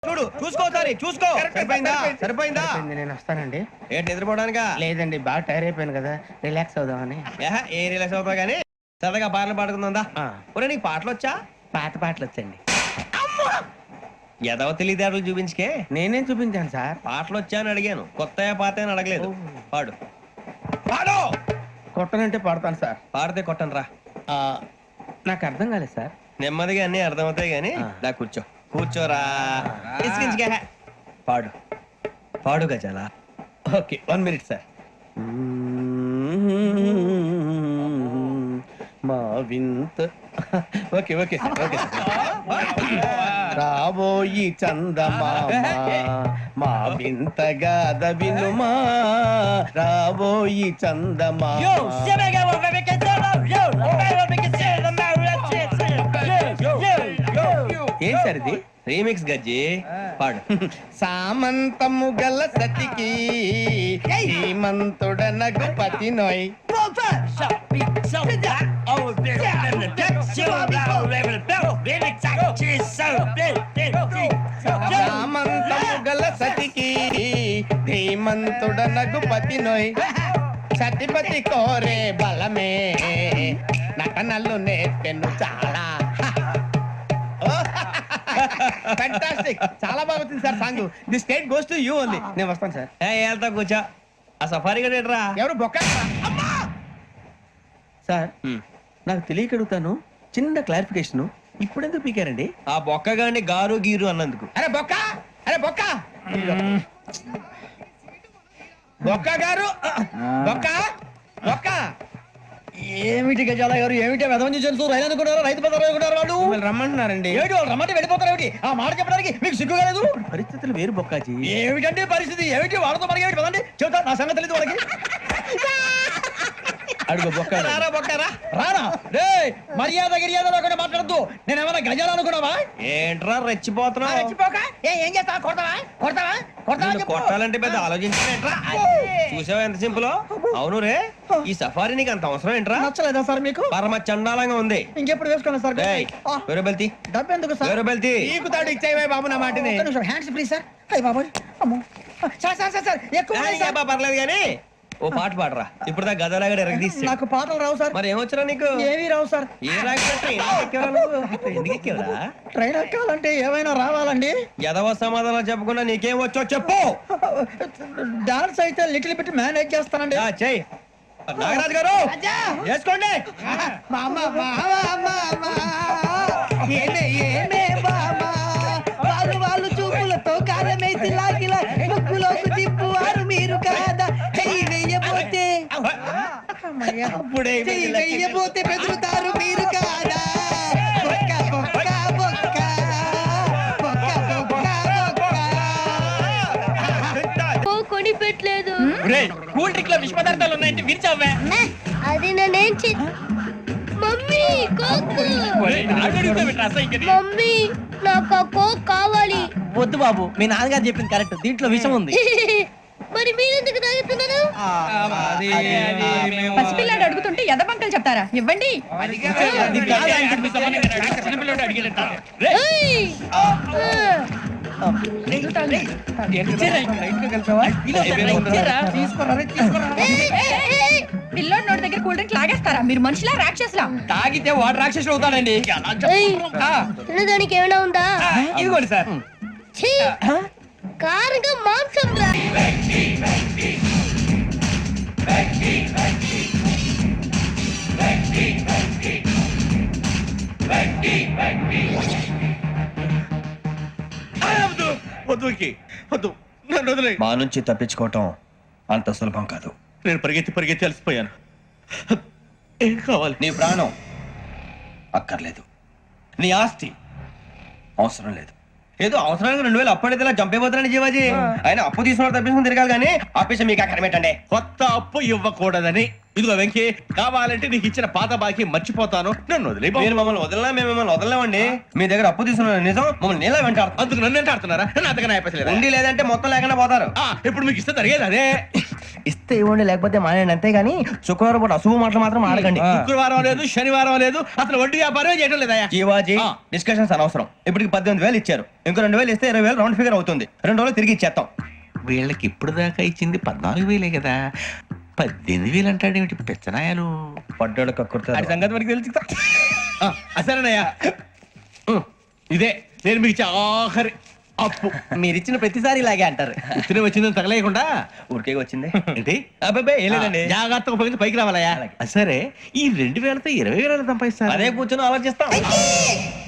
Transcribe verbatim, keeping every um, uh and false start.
చూడు చూసుకోసారి చూసుకో. సరిపోయిందా సరిపోయిందా నేను వస్తానండి. ఏంటి నిద్రపోవడానికా? లేదండి, బాగా టైర్ అయిపోయాను కదా, రిలాక్స్ అవుదామని. ఏహ, ఏ రిలాక్స్ అవుతావు కానీ సరదాగా పాటలు పాడుకుందా. ఆ. ఒరే నీకు పాటలు వచ్చా? పాత పాటలు వచ్చండి. ఎదవ తెలివితేటలు చూపించుకే. నేనేం చూపించాను సార్? పాటలు వచ్చా అని అడిగాను, కొత్త పాత అని అడగలేదు. పాడు పాడు. కొట్టనంటే పడతాను సార్. పాడితే కొట్టను రా. ఆ, నాకు అర్థం కాలేదు సార్. నెమ్మదిగా అన్ని అర్థమవుతాయి గానీ ఆ. దా కూర్చో కూర్చోరా. ఇసికించుకే. పాడు పాడు గజాల. Okay, one minute sir. మా వింత okay okay sir, okay sir. రాబోయి చందమామ మా వింతగా వినుమా, రాబోయి చందమామ. ఏం సార్ ఇది? రీమిక్స్ గజ్జి. పాడు. సామంతము గల సతికి హేమంతుడనగు పతి నోయ్. సామంతము గల సతికి ధీమంతుడనగు పతి నోయ్. సతిపతి కోరే బలమే నటనలు నేర్పెను చాలా. ఫ్యాంటాస్టిక్, చాలా బాగా వచ్చింది sir song. The state goes to you only. నేను వస్తాను సార్. ఏ వెళ్తా కూర్చో. ఆ సఫారీ గడేట్రా. ఎవరు బొక్క సార్? నాకు తెలియక అడుగుతాను, చిన్న క్లారిఫికేషన్. ఇప్పుడు ఎందుకు పీకారండి? ఆ బొక్కగాని గారు గీరు అన్నందుకు. అరే బొక్క, అరే బొక్క, బొక్క గారు, బొక్క బొక్క. ఏమిటి గజాల గారు, ఏమిటి వెదవని తెలుసు? రైలు అనుకున్నారు, రైతు బజార్ అనుకున్నారు. వాళ్ళు మిమ్మల్ని రమ్మంటున్నారండి. ఏమిటి వాళ్ళు రమ్మంటే వెళ్ళిపోతారు? ఏమిటి ఆ మాట చెప్పడానికి మీకు సిగ్గు కాలేదు? పరిస్థితులు వేరు బొక్కాజీ. ఏమిటంటే పరిస్థితి? ఏమిటి వాళ్ళతో మనకి ఏమిటి పదండి, చెబుతా. నా సంగతి తెలియదు వాళ్ళకి. అడుగు బొక్క. రారా బొక్కరా. రానా రే, మర్యాద గిర్యాద లేకుండా మాట్లాడద్దు. నేను ఏమైనా గజాలు అనుకున్నావా? ఏంట్రా రెచ్చిపోతున్నావు? రెచ్చిపోక ఏ, ఏం చేస్తావా? కొడతావా కొడతావా కొడతావా నిన్ను చెప్పు. కొట్టాలంటే పెద్ద ఆలోచించలేంట్రా. చూసావా ఎంత సింపుల్. అవును రే, ఈ సఫారీ నీకు అంత అవసరం ఏంట్రా? నచ్చలేదా సార్ మీకు? పరమ చండాలంగా ఉంది. ఇంకెప్పుడు వేసుకోండి సార్. ఏయ్, ఆ, వేరే బెల్తి డబ్బు ఎందుకు సార్? వేరే బెల్తి. నీకు తాడు ఇచ్చేవే బాబు నా మాటని. ఒక్క నిమిషం, హ్యాండ్స్ ప్లీజ్ సార్. అయ్య బాబోయ్, అమ్మో. సార్ సార్ సార్ సార్ ఎక్కువ ఉన్నాయి సార్. ఏబ్బా, పర్లేదు కానీ ఓ పాట పాడరా. ఇప్పుడు దా గదలాగా ఎరగ తీసి. నాకు పాటలు రావు సార్. మరి ఏమొచ్చరా నీకు? ఏమీ రావు సార్. ఏ రాకపోతే ఎందుకు ఎక్కేవరా నువ్వు? ఎందుకు ఎక్కేవరా? ట్రైన్ ఎక్కాలంటే ఏమైనా రావాలండి. ఎదవ సమాధానం చెప్పకుండా నీకేం వచ్చో చెప్పు. డాన్స్ అయితే లిటిల్ బిట్ మేనేజ్ చేస్తానండి. ఆ, చెయ్. నాగరాజు గారు చేసుకోండి. మామ మామ మామ ఏమే ఏమే మామ, వాళ్ళు వాళ్ళు చూపులతో కారమేసి లాగిలా ముక్కులోకి తిప్పువారు మీరు కాదా. చెయ్యి వెయ్యబోతే అప్పుడే చెయ్యి వెయ్యబోతే బెదురుతారు మీరు కాదా. బొక్క బొక్క బొక్క బొక్క బొక్క బొక్క. ఓ కొని పెట్టలేదు. కూల్ డ్రింక్ లో విష పదార్థాలు ఉన్నాయంటే విరిచావే. అది నేనేం చే మమ్మీ కోక్. మమ్మీ నాకు ఆ కోక్ కావాలి. వద్దు బాబు, మీ నాన్నగారు చెప్పింది కరెక్ట్, దీంట్లో విషయం ఉంది. మరి మీరెందుకు తాగుతున్నారు? పసిపిల్లాడు అడుగుతుంటే ఎదబంకలు చెప్తారా? ఇవ్వండి. ఏయ్! ఆ! ఏయ్, ఏయ్, ఏయ్! పిల్లోడి నోటి దగ్గర కూల్ డ్రింక్ లాగేస్తారా? మీరు మనుషులా రాక్షసులా? తాగితే వాడు రాక్షసుడు అవుతాడండి. ఏయ్! తినడానికి ఏమైనా ఉందా? ఇదిగోండి సార్. ఛీ! కారంగా మాంసం రా. వద్దు వద్దు, నన్ను వదిలే. మా నుంచి తప్పించుకోవటం అంత సులభం కాదు. నేను పరిగెత్తి పరిగెత్తి అలసిపోయాను. ఏం కావాలి? నీ ప్రాణం అక్కర్లేదు, నీ ఆస్తి అవసరం లేదు. ఏదో అవసరానికి రెండు వేలు అప్పటి చంపేపోతున్నాను జీవాజీ. ఆయన అప్పు తీసుకున్న తప్పించుకుని తిరగాలి కానీ ఆపేసి మీకు అక్కడ పెట్టండి. కొత్త అప్పు ఇవ్వకూడదని. ఇదిగో వెంకీ, కావాలంటే నీకు ఇచ్చిన పాత బాకీ మర్చిపోతాను, నన్ను వదిలే. మీరు మమ్మల్ని వదలనా? మేము మిమ్మల్ని వదలలేమండి. మీ దగ్గర అప్పు తీసుకున్న నిజం మమ్మల్ని నీలా వెంటాడు. అందుకు నన్ను ఎంత ఆడుతున్నారా? నన్ను అంతగా నాయపసలేదు. ఉండి లేదంటే మొత్తం లేకుండా పోతారు. ఇప్పుడు మీకు ఇస్తే జరిగేది అదే. ఇస్తే ఇవ్వండి లేకపోతే మానేయండి అంతేగాని శుక్రవారం పూట అశుభ మాటలు మాత్రం ఆడకండి శుక్రవారం లేదు శనివారం లేదు అసలు వడ్డీ వ్యాపారం చేయడం లేదా జీవాజీ ఆ. డిస్కషన్స్ అనవసరం ఇప్పటికి పద్దెనిమిది వేలు ఇచ్చారు ఇంకో రెండు వేలు ఇస్తే ఇరవై వేలు రౌండ్ ఫిగర్ అవుతుంది రెండు రోజులు తిరిగి ఇచ్చేస్తాం వీళ్ళకి ఇప్పుడు దాకా ఇచ్చింది పద్నాలుగు వేలే కదా పద్దెనిమిది వేలు అంటాడేమిటి పెచ్చనాయాలు పడ్డాడు కక్కుర్తాడు. సంగతి మనకి తెలుసు అసలేనయ్యా ఉం, ఇదే నేను మీకు ఇచ్చే ఆఖరి అప్పు మీరు ఇచ్చిన ప్రతిసారి ఇలాగే అంటారు ఇతనే వచ్చిందని తగలేయకుండా ఊరికే వచ్చింది ఏంటి అబ్బాయి ఏం లేదండి ఆ, జాగ్రత్తగా ఉపయోగించి పైకి రావాలయ్యా అలాగే. ఆ, సరే ఈ రెండు వేలతో ఇరవై వేల సంపాదిస్తారు అదే కూర్చొని ఆలోచిస్తాం